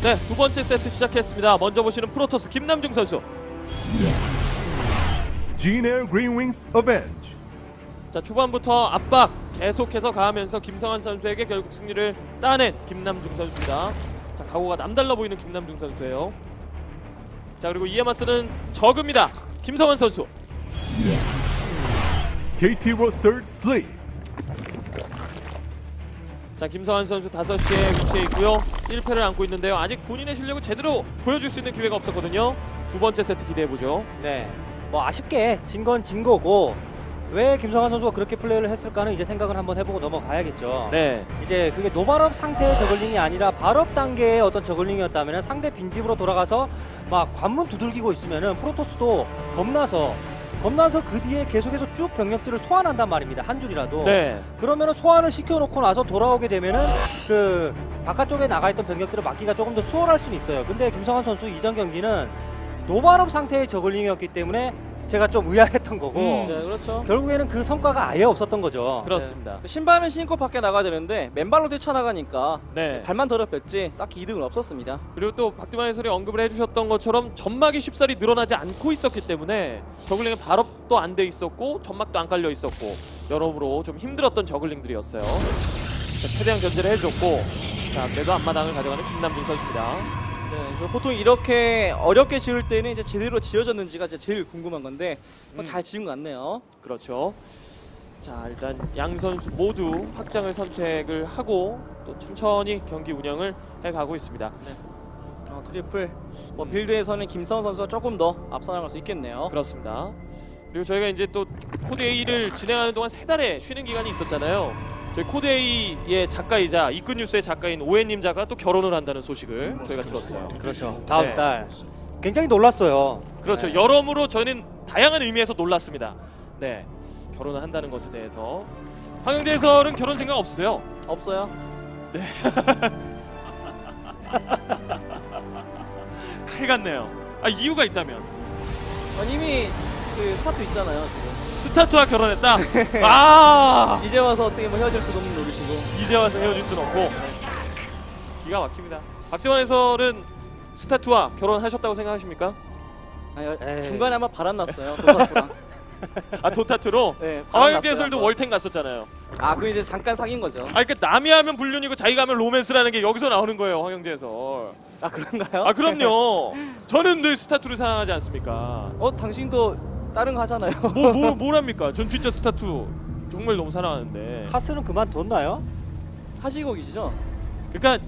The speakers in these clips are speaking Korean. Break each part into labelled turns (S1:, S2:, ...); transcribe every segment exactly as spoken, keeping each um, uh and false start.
S1: 네, 두 번째 세트 시작했습니다. 먼저 보시는 프로토스 김남중 선수.
S2: Jin Air Green Wings Avenge.
S1: 자, 초반부터 압박 계속해서 가하면서 김성환 선수에게 결국 승리를 따낸 김남중 선수입니다. 자, 각오가 남달라 보이는 김남중 선수예요. 자, 그리고 이에 맞서는 적입니다. 김성환 선수.
S2: 케이티 Roster Sleep.
S1: 자, 김성환 선수 다섯 시에 위치해 있고요. 일 패를 안고 있는데요. 아직 본인의 실력을 제대로 보여줄 수 있는 기회가 없었거든요. 두 번째 세트 기대해보죠.
S3: 네, 뭐 아쉽게 진 건 진 거고 왜 김성환 선수가 그렇게 플레이를 했을까는 이제 생각을 한번 해보고 넘어가야겠죠.
S1: 네.
S3: 이제 그게 노발업 상태의 저글링이 아니라 발업 단계의 어떤 저글링이었다면 상대 빈집으로 돌아가서 막 관문 두들기고 있으면은 프로토스도 겁나서 겁나서 그 뒤에 계속해서 쭉 병력들을 소환한단 말입니다. 한 줄이라도.
S1: 네.
S3: 그러면은 소환을 시켜놓고 나서 돌아오게 되면은 그 바깥쪽에 나가있던 병력들을 막기가 조금 더 수월할 수는 있어요. 근데 김성환 선수 이전 경기는 노발업 상태의 저글링이었기 때문에 제가 좀 의아했던 거고
S4: 음, 네, 그렇죠.
S3: 결국에는 그 성과가 아예 없었던 거죠.
S1: 그렇습니다.
S4: 네. 신발은 신고 밖에 나가야 되는데 맨발로 뛰쳐나가니까
S1: 네.
S4: 발만 더럽혔지 딱히 이득은 없었습니다.
S1: 그리고 또 박두만 해설이 언급을 해주셨던 것처럼 점막이 쉽사리 늘어나지 않고 있었기 때문에 저글링은 발업도 안 돼 있었고 점막도 안 깔려 있었고 여러모로 좀 힘들었던 저글링들이었어요. 자, 최대한 견제를 해줬고, 자, 그래도 앞마당을 가져가는 김남중 선수입니다.
S4: 네, 보통 이렇게 어렵게 지을 때는 이제 제대로 지어졌는지가 이제 제일 궁금한 건데 뭐
S1: 음.
S4: 잘 지은 것 같네요.
S1: 그렇죠. 자, 일단 양 선수 모두 확장을 선택을 하고 또 천천히 경기 운영을 해가고 있습니다.
S4: 어, 트리플 뭐 빌드에서는 김성환 선수가 조금 더 앞서 나갈 수 있겠네요.
S1: 그렇습니다. 그리고 저희가 이제 또 코드 A를 진행하는 동안 세 달의 쉬는 기간이 있었잖아요. 저희 코드 A의 작가이자 이끈뉴스의 작가인 오해님 작가가 또 결혼을 한다는 소식을 저희가 들었어요.
S3: 그렇죠. 다음
S1: 네.
S3: 달 굉장히 놀랐어요.
S1: 그렇죠.
S3: 네.
S1: 여러모로 저희는 다양한 의미에서 놀랐습니다. 네, 결혼을 한다는 것에 대해서 황영재 해설은 결혼 생각 없으세요?
S4: 없어요.
S1: 네. 칼 같네요. 아, 이유가 있다면
S4: 어, 이미 그 스타트 있잖아요. 지금.
S1: 스타트와 결혼했다. 아,
S4: 이제 와서 어떻게 뭐 헤어질 수도 없는 노릇이고.
S1: 이제 와서 헤어질 수는 없고. 기가 막힙니다. 박대원 해설은 스타트와 결혼하셨다고 생각하십니까?
S4: 아니, 어,
S3: 에이.
S4: 중간에 한번 바람 났어요. 도타투랑.
S1: 아, 도타투로?
S4: 네,
S1: 아,
S4: 바람
S1: 황영재
S4: 났어요,
S1: 해설도
S4: 한번.
S1: 월텐 갔었잖아요.
S4: 아, 그 이제 잠깐 사귄 거죠.
S1: 아, 그러니까 남이 하면 불륜이고 자기가 하면 로맨스라는 게 여기서 나오는 거예요, 황영재 해설.
S4: 아, 그런가요?
S1: 아, 그럼요. 저는 늘 스타투를 사랑하지 않습니까?
S4: 어, 당신도 다른 거 하잖아요.
S1: 뭐, 뭐, 뭐랍니까? 전 진짜 스타투 정말 너무 사랑하는데.
S3: 카스는 그만뒀나요?
S4: 하시고 계시죠?
S1: 그러니까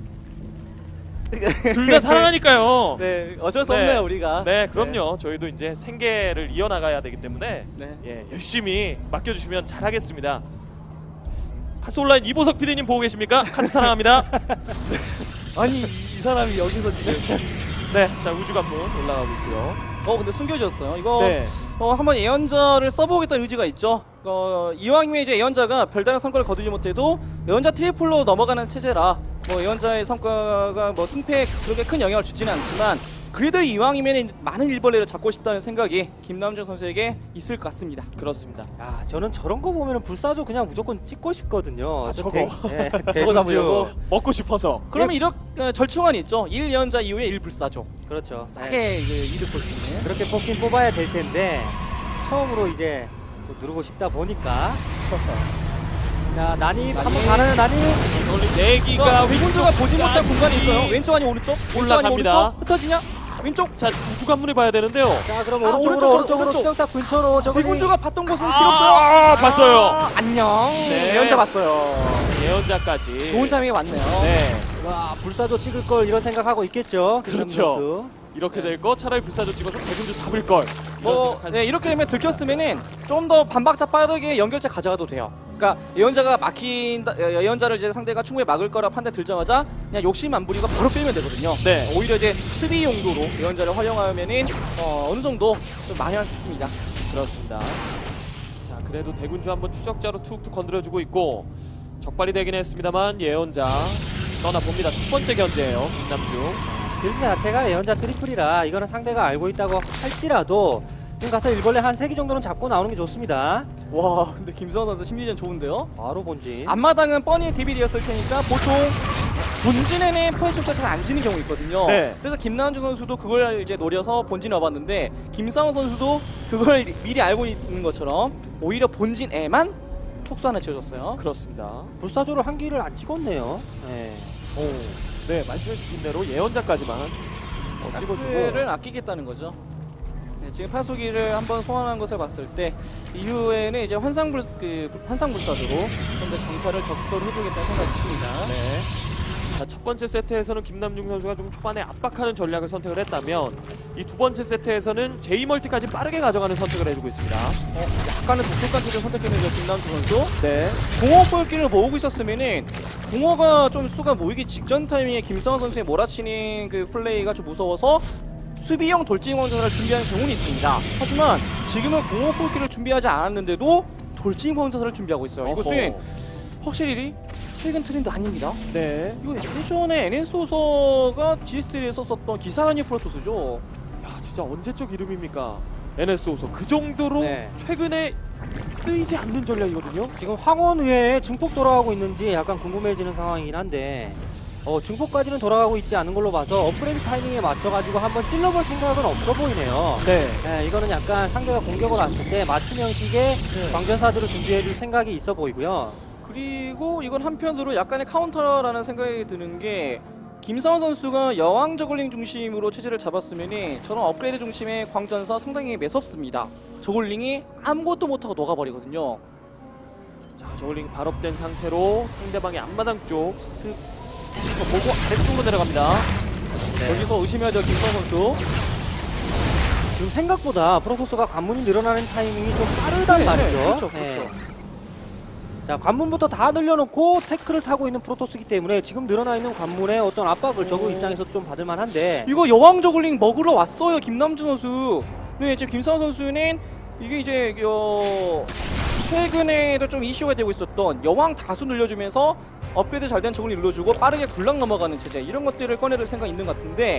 S1: 둘 다 사랑하니까요.
S4: 네, 어쩔 수
S1: 네.
S4: 없네요, 우리가.
S1: 네, 그럼요. 저희도 이제 생계를 이어나가야 되기 때문에
S4: 네.
S1: 예, 열심히 맡겨주시면 잘하겠습니다. 카스 온라인 이보석 피디님 보고 계십니까? 카스 사랑합니다.
S4: 아니, 이 사람이 여기서 지금.
S1: 네, 자, 우주관문 올라가고 있고요.
S4: 어, 근데 숨겨졌어요. 이거
S1: 네,
S4: 어, 한번 예언자를 써보겠다는 의지가 있죠. 어, 이왕이면 이제 예언자가 별다른 성과를 거두지 못해도 예언자 트리플로 넘어가는 체제라 뭐 예언자의 성과가 뭐 승패에 그렇게 큰 영향을 주지는 않지만 그래도 이왕이면 많은 일벌레를 잡고 싶다는 생각이 김남중 선수에게 있을 것 같습니다.
S1: 그렇습니다.
S3: 아, 저는 저런 거 보면은 불사조 그냥 무조건 찍고 싶거든요.
S1: 아,
S3: 저
S1: 저거.
S3: 대- 네,
S4: 저거
S3: 대군주.
S4: 잡으려고?
S1: 먹고 싶어서.
S4: 그러면 이렇게 어, 절충안이 있죠. 일 예언자 이후에 일 불사조.
S3: 그렇죠.
S4: 싸게
S3: 네.
S4: 이제 이득 볼 수 있는.
S3: 그렇게 뽑긴 뽑아야 될 텐데 처음으로 이제 또 누르고 싶다 보니까 자, 난입
S4: 난입.
S3: 한번 가나요? 난입?
S1: 원래 내기가
S4: 위군주가 보지 못한
S1: 왼쪽까지
S4: 공간이 있어요. 왼쪽 아니 오른쪽? 왼쪽 아니
S1: 올라갑니다.
S4: 오른쪽? 흩어지냐? 왼쪽?
S1: 자, 우주관문을 봐야 되는데요.
S3: 자, 그럼
S4: 아,
S3: 오른쪽으로
S4: 오른쪽,
S3: 오른쪽으로
S4: 오른쪽.
S3: 수영탑 근처로 저거
S4: 위군주가 봤던 곳은 필요
S1: 아,
S4: 없어요.
S1: 봤어요.
S4: 아, 안녕.
S1: 네.
S4: 예언자 봤어요.
S1: 예언자까지.
S4: 좋은 타이밍에 왔네요.
S1: 네,
S3: 와, 불사조 찍을 걸 이런 생각하고 있겠죠. 김남중
S1: 그렇죠.
S3: 선수.
S1: 이렇게 될 거 차라리 불사조 찍어서 대군주 잡을 걸. 이런
S4: 뭐
S1: 생각할
S4: 네,
S1: 수
S4: 이렇게
S1: 있을
S4: 되면
S1: 수 있습니다.
S4: 들켰으면은 좀 더 반박자 빠르게 연결체 가져가도 돼요. 그러니까 예언자가 막힌 예언자를 이제 상대가 충분히 막을 거라 판단 들자마자 그냥 욕심 안 부리고 바로 빼면 되거든요.
S1: 네.
S4: 오히려 이제 수비 용도로 예언자를 활용하면은 어, 어느 정도 좀 많이 할 수 있습니다.
S1: 그렇습니다. 자, 그래도 대군주 한번 추적자로 툭툭 건드려주고 있고 적발이 되긴 했습니다만 예언자 떠나봅니다. 첫 번째 견제예요, 김남중.
S3: 빌드 자체가 예언자 트리플이라 이거는 상대가 알고 있다고 할지라도 지금 가서 일벌레 한 세 개 정도는 잡고 나오는 게 좋습니다.
S4: 와, 근데 김성환 선수 심리전 좋은데요?
S3: 바로 본진.
S4: 앞마당은 뻔히 데빌이었을 테니까 보통 본진에는 포인트가 잘 안 지는 경우 있거든요.
S1: 네.
S4: 그래서 김남준 선수도 그걸 이제 노려서 본진에 와봤는데 김상훈 선수도 그걸 미리 알고 있는 것처럼 오히려 본진에만 톡수 하나 지어줬어요.
S1: 그렇습니다.
S3: 불사조를 한 기를 안 찍었네요. 네.
S1: 오, 네, 말씀해 주신 대로 예언자까지만 어, 찍어주고.
S4: 가스를 아끼겠다는 거죠. 네, 지금 파수기를 한번 소환한 것을 봤을 때 이후에는 이제 환상불 그 환상불사조로 좀 더 정찰을 적극적으로 해주겠다는 생각이 있습니다.
S1: 네. 자, 첫 번째 세트에서는 김남중 선수가 좀 초반에 압박하는 전략을 선택을 했다면 이 두 번째 세트에서는 제이멀티까지 빠르게 가져가는 선택을 해주고 있습니다.
S4: 어, 약간은 독특한 쪽을 선택했는데 김남준 선수.
S1: 네.
S4: 공허 볼기를 모으고 있었으면은 공허가 좀 수가 모이기 직전 타이밍에 김상훈 선수의 몰아치는 그 플레이가 좀 무서워서 수비형 돌진광전을 준비하는 경우는 있습니다. 하지만 지금은 공허 볼기를 준비하지 않았는데도 돌진광전을 준비하고 있어요.
S1: 어허.
S4: 이것은 확실히 최근 트렌드 아닙니다.
S1: 네.
S4: 이거 예전에 엔에스오서가 지에스쓰리에 썼었던 기사라니 프로토스죠.
S1: 야, 진짜 언제적 이름입니까? 엔에스오서 그 정도로
S3: 네.
S1: 최근에 쓰이지 않는 전략이거든요.
S3: 지금 황혼 외에 증폭 돌아가고 있는지 약간 궁금해지는 상황이긴 한데 어, 증폭까지는 돌아가고 있지 않은 걸로 봐서 업그레이드 타이밍에 맞춰가지고 한번 찔러볼 생각은 없어 보이네요.
S1: 네.
S3: 네, 이거는 약간 상대가 공격을 왔을 때 맞춤 형식의 광전사들을 준비해줄 생각이 있어 보이고요.
S4: 그리고 이건 한편으로 약간의 카운터라는 생각이 드는 게 김상훈 선수가 여왕 저글링 중심으로 체제를 잡았으면 저런 업그레이드 중심의 광전사 상당히 매섭습니다. 저글링이 아무것도 못하고 녹아버리거든요.
S1: 자, 저글링 발업된 상태로 상대방의 앞마당 쪽 슥 보고 아래쪽으로 내려갑니다.
S3: 네.
S4: 여기서 의심해야 될 김상훈 선수.
S3: 지금 생각보다 프로토스가 관문이 늘어나는 타이밍이 좀 빠르단
S4: 네,
S3: 말이죠.
S4: 네, 그렇죠,
S3: 네.
S4: 그렇죠.
S3: 자, 관문부터 다 늘려놓고 태클을 타고 있는 프로토스이기 때문에 지금 늘어나 있는 관문에 어떤 압박을 저그 입장에서도 좀 받을 만한데
S4: 이거 여왕 저글링 먹으러 왔어요, 김남준 선수. 네, 지금 김상훈 선수는 이게 이제 어, 최근에도 좀 이슈가 되고 있었던 여왕 다수 늘려주면서 업그레이드 잘 된 저글링 눌러주고 빠르게 굴락 넘어가는 체제 이런 것들을 꺼내릴 생각 있는 것 같은데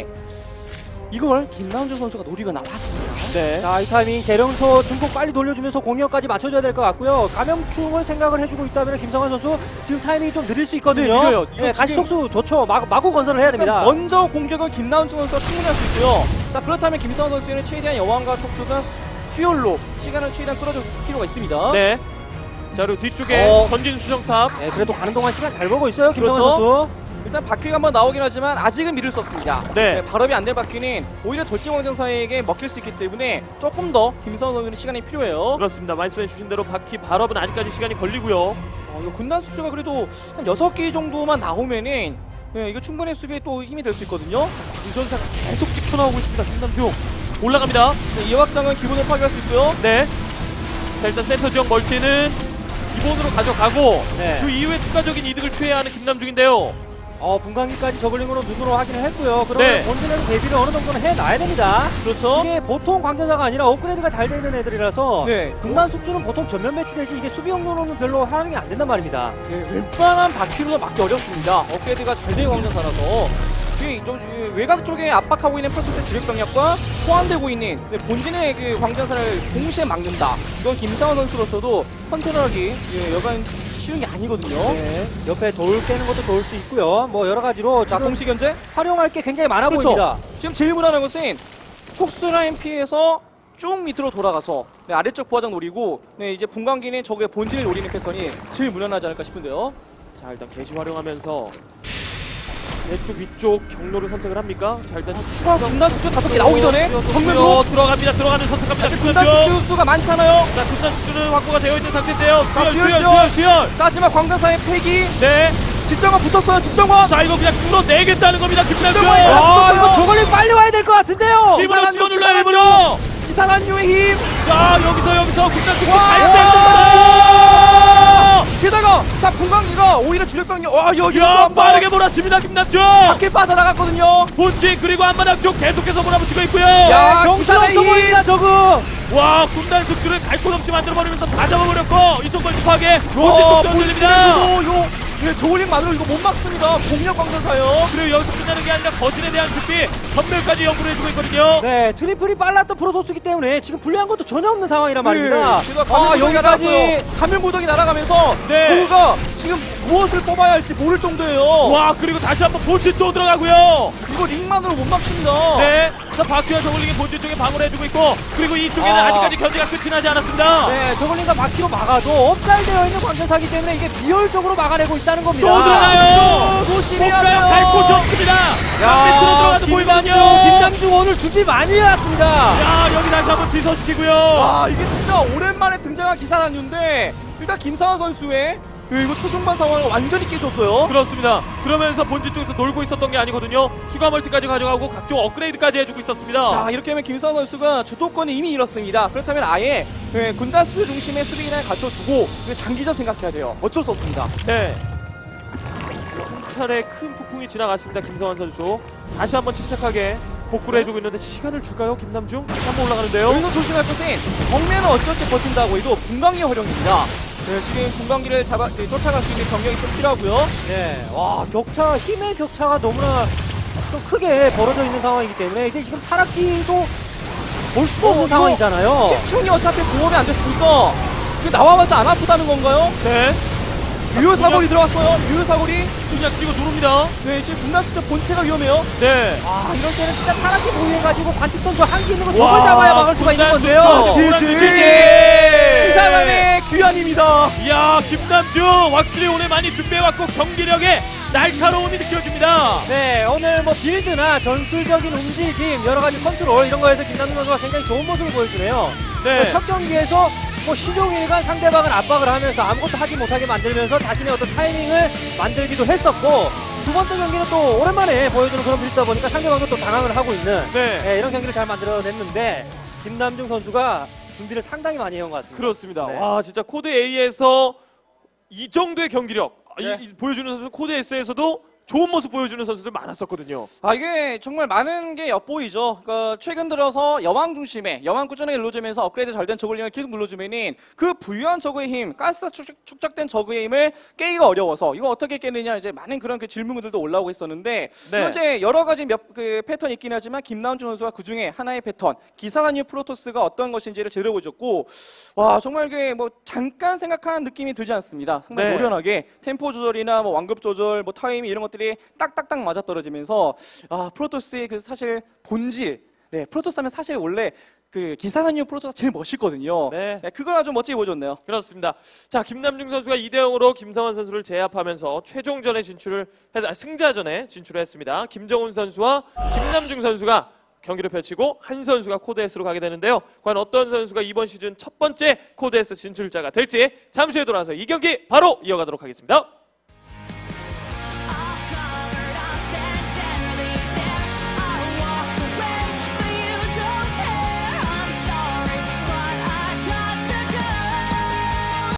S4: 이걸 김남준 선수가 노리고 나왔습니다.
S1: 네.
S3: 자, 이 타이밍 재령소 중폭 빨리 돌려주면서 공격까지 맞춰줘야 될 것 같고요. 감염충을 생각을 해주고 있다면 김성환 선수 지금 타이밍이 좀 느릴 수 있거든요.
S4: 네, 느려요. 이거
S3: 네, 가시
S4: 지금-
S3: 속수 좋죠. 마, 마구 건설을 해야 됩니다.
S4: 먼저 공격은 김남준 선수가 충분히 할 수 있고요. 자, 그렇다면 김상훈 선수는 최대한 여왕과 촉수가 수열로 시간을 최대한 끌어줄 필요가 있습니다.
S1: 네. 자, 그리고 뒤쪽에
S3: 어.
S1: 전진 수정탑.
S3: 네, 그래도 가는 동안 시간 잘 벌고 있어요. 김성환
S4: 그렇죠.
S3: 선수.
S4: 일단 바퀴가 한번 나오긴 하지만 아직은 믿을 수 없습니다.
S1: 네.
S4: 발업이 안 될 바퀴는 오히려 돌진왕전사에게 먹힐 수 있기 때문에 조금 더 김상훈 선수는 시간이 필요해요.
S1: 그렇습니다. 말씀해 주신 대로 바퀴 발업은 아직까지 시간이 걸리고요.
S4: 어, 이거 군단 수주가 그래도 한 여섯 개 정도만 나오면은 네, 이거 충분히 수비에 또 힘이 될 수 있거든요.
S1: 공전사가 계속 찍혀나오고 있습니다. 김남중 올라갑니다.
S4: 네, 이 확장은 기본을 파괴할 수 있고요.
S1: 네. 자, 일단 센터 지역 멀티는 기본으로 가져가고
S3: 네.
S1: 그 이후에 추가적인 이득을 취해야 하는 김남중인데요.
S3: 어, 분광기까지 저글링으로 눈으로 확인을 했고요. 그러면
S1: 네.
S3: 본진에는 대비를 어느 정도는 해놔야 됩니다.
S4: 그렇죠.
S3: 이게 보통 광전사가 아니라 업그레이드가 잘 돼 있는 애들이라서
S4: 네.
S3: 군단 숙주는 보통 전면 배치되지 이게 수비용도로는 별로 하는 게 안 된단 말입니다.
S4: 네, 웬만한 바퀴로도 막기 어렵습니다. 업그레이드가 잘 된 광전사라서 이 좀, 이 외곽 쪽에 압박하고 있는 프로토스의 주력병력과 소환되고 있는 네, 본진의 그 광전사를 동시에 막는다. 이건 김상원 선수로서도 컨트롤하기 예, 여간 쉬운 게 아니거든요.
S3: 네. 옆에 돌 깨는 것도 좋을 수 있고요. 뭐 여러 가지로
S4: 자,
S3: 지금
S4: 동시 견제.
S3: 활용할 게 굉장히 많아
S4: 그렇죠.
S3: 보입니다.
S4: 지금 제일 무난한 것은 촉수 라인 피해서 쭉 밑으로 돌아가서 네, 아래쪽 부하장 노리고 네, 이제 분광기는 적의 본진을 노리는 패턴이 제일 무난하지 않을까 싶은데요.
S1: 자, 일단 게시 활용하면서 왼쪽 위쪽 경로를 선택을 합니까? 자, 일단
S4: 추가 군단 수주 다섯 개 나오기 전에 정면으로
S1: 어, 들어갑니다. 들어가는 선택합니다.
S4: 군단
S1: 김남중.
S4: 수주 수가 많잖아요.
S1: 자, 군단 수준은 확보가 되어 있는 상태인데요.
S4: 자,
S1: 수열,
S4: 수열,
S1: 수열,
S4: 수열.
S1: 수열, 수열.
S4: 자, 하지만 광전사의 패기
S1: 네.
S4: 집정관 붙었어요. 집정관.
S1: 자, 이거 그냥 뚫어내겠다는 겁니다. 김남중.
S4: 집중을 해요.
S3: 아, 이거 저걸링 빨리 와야 될 것 같은데요.
S1: 일부러 찍어 눌러요,
S4: 기사란
S1: 일부러.
S4: 이상한 유의 힘.
S1: 자, 여기서 여기서 군단 수준
S4: 와!
S1: 가야 됩니다.
S4: 게다가 자 분광기가 오히려 주력병력 와 여기
S1: 야, 빠르게 몰아칩니다. 김남중.
S4: 밖에 빠져나갔거든요.
S1: 본진 그리고 한마당 쪽 계속해서 몰아붙이고 있고요.
S3: 야,
S4: 야,
S3: 정신없어
S4: 기사의
S3: 보입니다, 저거.
S1: 와, 군단 숙주를 갈 곳 없이 만들어버리면서 다 잡아버렸고 이쪽 멀티 파괴 본진
S4: 와,
S1: 쪽도 흔들립니다.
S4: 본진에서도 요 네, 저글링만으로 이거 못 막습니다. 공격 광전사요.
S1: 그리고 여기서 끝나는 게 아니라 거신에 대한 준비 전멸까지 연구를 해주고 있거든요.
S3: 네, 트리플이 빨랐던 프로토스기 때문에 지금 불리한 것도 전혀 없는 상황이란 말입니다.
S4: 제가
S3: 아,
S4: 가면
S3: 여기까지
S4: 여기까지 가면 무더기 날아가면서
S1: 네.
S4: 저우가 지금 무엇을 뽑아야 할지 모를 정도예요.
S1: 와, 그리고 다시 한번 본진 또 들어가고요.
S4: 이거 링만으로 못 막습니다.
S1: 네, 자 바퀴와 저글링이 본진 쪽에 방어를 해주고 있고, 그리고 이쪽에는
S3: 아.
S1: 아직까지 견제가 끝이 나지 않았습니다.
S3: 네, 저글링과 바퀴로 막아도 업살되어 있는 광전사기 때문에 이게 비효율적으로 막아내고 있다는 겁니다.
S1: 또 들어가요.
S4: 조심해야
S1: 목표랑
S4: 돼요.
S1: 갈 곳이 없습니다.
S3: 야,
S1: 밑으로 들어가도
S3: 김남중,
S1: 보이거든요.
S3: 김남중 오늘 준비 많이 해왔습니다.
S1: 야, 여기 다시 한번 지서시키고요.
S4: 아, 이게 진짜 오랜만에 등장한 기사단인데 일단 김상환 선수의 예, 이거 초중반 상황을 완전히 깨줬어요.
S1: 그렇습니다. 그러면서 본진 쪽에서 놀고 있었던 게 아니거든요. 추가 멀티까지 가져가고 각종 업그레이드까지 해주고 있었습니다.
S4: 자, 이렇게 하면 김상환 선수가 주도권을 이미 잃었습니다. 그렇다면 아예 예, 군단수 중심의 수비 기능을 갖춰두고 그 장기전 생각해야 돼요. 어쩔 수 없습니다.
S1: 네. 자, 지금 한 차례 큰 폭풍이 지나갔습니다. 김성환 선수 다시 한번 침착하게 복구를 해주고 있는데 시간을 줄까요? 김남중 다시 한번 올라가는데요.
S4: 여기서 조심할 것은 정면은 어찌어찌 버틴다고 해도 분광기 활용입니다. 네, 지금 분광기를 잡아 네, 쫓아갈 수 있는 경력이 좀 필요하고요.
S3: 네, 와, 격차, 힘의 격차가 너무나 좀 크게 벌어져 있는 상황이기 때문에 이게 지금 타락기도 볼 수도 없는
S4: 어,
S3: 상황이잖아요.
S4: 십충이 어차피 공업이 안 됐으니까 이거 나와봤자 안 아프다는 건가요?
S1: 네.
S4: 유효 사거리 들어갔어요. 유효 사거리.
S1: 그냥 찍어 누릅니다.
S4: 네, 지금 분단수자 본체가 위험해요.
S1: 네.
S3: 아, 이럴 때는 진짜 타락기 보유해가지고 관측선 저 한기 있는 거
S1: 와,
S3: 저걸 잡아야 막을 수가 있는
S1: 군단
S3: 건데요.
S1: 수죠.
S4: 지지.
S1: 지지.
S4: 이 사람의 귀환입니다.
S1: 이야, 김남중 확실히 오늘 많이 준비해왔고 경기력에 날카로움이 느껴집니다.
S3: 네, 오늘 뭐 빌드나 전술적인 움직임, 여러 가지 컨트롤 이런 거에서 김남중 선수가 굉장히 좋은 모습을 보여주네요.
S1: 네.
S3: 첫 경기에서 뭐 시종일관 상대방을 압박을 하면서 아무것도 하지 못하게 만들면서 자신의 어떤 타이밍을 만들기도 했었고, 두 번째 경기는 또 오랜만에 보여주는 그런 빌드다 보니까 상대방도 또 당황을 하고 있는
S1: 네.
S3: 네, 이런 경기를 잘 만들어냈는데 김남중 선수가 준비를 상당히 많이 해온 것 같습니다.
S1: 그렇습니다.
S3: 네.
S1: 와, 진짜 코드 A에서 이 정도의 경기력
S3: 네.
S1: 이, 이 보여주는 선수, 코드 S에서도 좋은 모습 보여주는 선수들 많았었거든요.
S4: 아, 이게 정말 많은 게 엿보이죠. 그러니까 최근 들어서 여왕 중심에 여왕 꾸준하게 눌러주면서 업그레이드 잘 된 저글링을 계속 눌러주면은 그 부유한 저그의 힘, 가스 축적, 축적된 저그의 힘을 깨기가 어려워서 이거 어떻게 깨느냐 이제 많은 그런 그 질문들도 올라오고 있었는데
S1: 네.
S4: 현재 여러 가지 몇 그 패턴이 있긴 하지만 김남준 선수가 그 중에 하나의 패턴 기사단위 프로토스가 어떤 것인지를 제대로 보여줬고, 와 정말 그 뭐 잠깐 생각한 느낌이 들지 않습니다. 상당히
S1: 네.
S4: 노련하게 템포 조절이나 뭐 완급 조절, 뭐 타이밍 이런 것들 딱딱딱 맞아 떨어지면서 아 프로토스의 그 사실 본질, 네 프로토스 하면 사실 원래 그 기사단유 프로토스가 제일 멋있거든요.
S1: 네.
S4: 네, 그걸 아주 멋지게 보여줬네요.
S1: 그렇습니다. 자, 김남중 선수가 이 대 영으로 김성환 선수를 제압하면서 최종전에 진출을 해서 아, 승자전에 진출을 했습니다. 김정훈 선수와 김남중 선수가 경기를 펼치고 한 선수가 코드 S로 가게 되는데요. 과연 어떤 선수가 이번 시즌 첫 번째 코드 S 진출자가 될지 잠시 후에 돌아와서 이 경기 바로 이어가도록 하겠습니다.